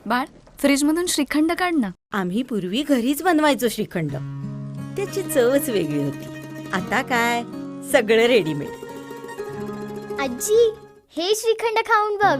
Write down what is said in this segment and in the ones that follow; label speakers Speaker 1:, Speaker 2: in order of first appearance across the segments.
Speaker 1: बाळ, फ्रीज मधून श्रीखंड काढ ना.
Speaker 2: आम्ही पूर्वी घरीच बनवायचो श्रीखंड. त्याची चवच वेगळी होती. आता काय सगळं रेडीमेड.
Speaker 3: आजी, हे श्रीखंड खाऊन बघ.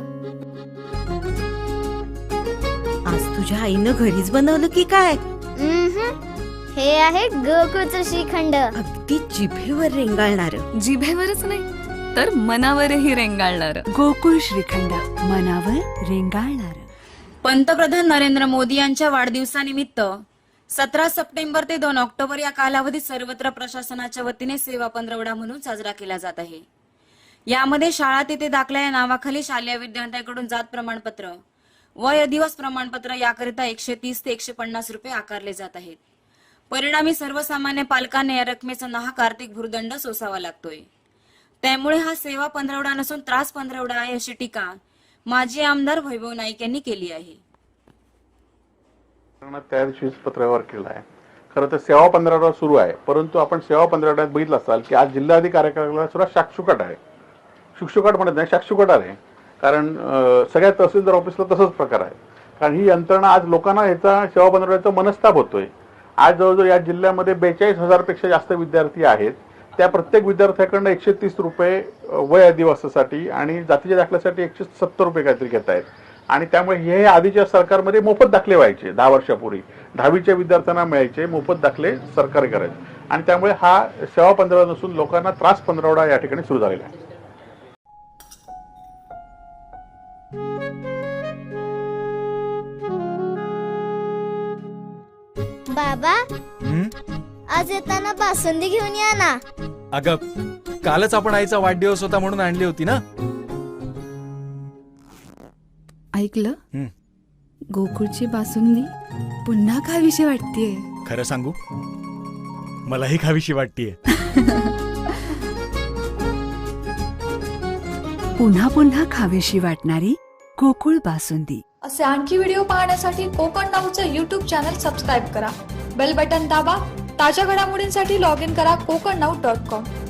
Speaker 2: आज तुझ्या आईनं घरीच बनवलं की काय?
Speaker 3: हे आहे गोकुळचं श्रीखंड.
Speaker 2: अगदी जिभेवर रेंगाळणार.
Speaker 1: जिभेवरच नाही तर मनावरही रेंगाळणार.
Speaker 4: गोकुळ श्रीखंड, मनावर रेंगाळणार.
Speaker 5: पंतप्रधान नरेंद्र मोदी यांच्या वाढदिवसानिमित्त 17 सप्टेंबर ते 2 ऑक्टोबर या कालावधीत सर्वत्र प्रशासनाच्या वतीने सेवा पंधरवडा म्हणून साजरा केला जात आहे. यामध्ये शाळा तेथे दाखला या नावाखाली शालेय विद्यार्थ्यांकडून जात प्रमाणपत्र व दिवस प्रमाणपत्र याकरिता 130 ते 150 रुपये आकारले जात आहेत. परिणामी सर्वसामान्य पालकांना या रकमेचा नाहक आर्थिक भुर्दंड सोसावा लागतोय. त्यामुळे हा सेवा पंधरवडा नसून त्रास पंधरवडा आहे अशी टीका माजी आमदार वैभव नाईक यांनी केली आहे.
Speaker 6: त्या दिवशीच पत्रव्यवहार केला आहे. खरं तर सेवा पंधरवडा सुरू आहे, परंतु आपण सेवा पंधरवड्यात बघितलं असाल की आज जिल्हाधिकारी कार्यालयाला सुद्धा शाक्षुकाट आहे. शुकशुकाट म्हणत नाही, शाक्षुकाट आहे. कारण सगळ्या तहसीलदार ऑफिसला तसंच प्रकार आहे. कारण ही यंत्रणा आज लोकांना ह्याचा सेवा पंधरवड्याचा मनस्ताप होतोय. आज जवळजवळ या जिल्ह्यामध्ये 42,000 पेक्षा जास्त विद्यार्थी आहेत. त्या प्रत्येक विद्यार्थ्याकडनं 130 रुपये वय अधिवासासाठी आणि जातीच्या दाखल्यासाठी 170 रुपये काहीतरी घेत आहेत. आणि त्यामुळे हे आधीच्या सरकारमध्ये मोफत दाखले व्हायचे. 10 वर्षापूर्वी 10वीच्या विद्यार्थ्यांना मिळायचे मोफत दाखले, सरकार करायचे. आणि त्यामुळे हा सेवा पंधरवडा नसून लोकांना त्रास पंधरवडा या ठिकाणी सुरू झालेला आहे.
Speaker 3: बाबा, आज येताना बासुंदी घेऊन या ना.
Speaker 7: अगं, कालच आपण आईचा वाढदिवस होता म्हणून आणली होती ना.
Speaker 4: ऐकलं, गोकुळची बासुंदी पुन्हा खावीशी वाटतेय.
Speaker 7: खरं सांगू, मलाही खावीशी वाटतेय.
Speaker 4: पुन्हा पुन्हा खावीशी वाटणारी गोकुळ बासुंदी.
Speaker 8: असे आणखी व्हिडिओ पाहण्यासाठी कोकण नाऊचं YouTube चॅनल सबस्क्राईब करा. बेल बटन दाबा. ताज्या घडामोडींसाठी लॉग इन करा kokarnau.com.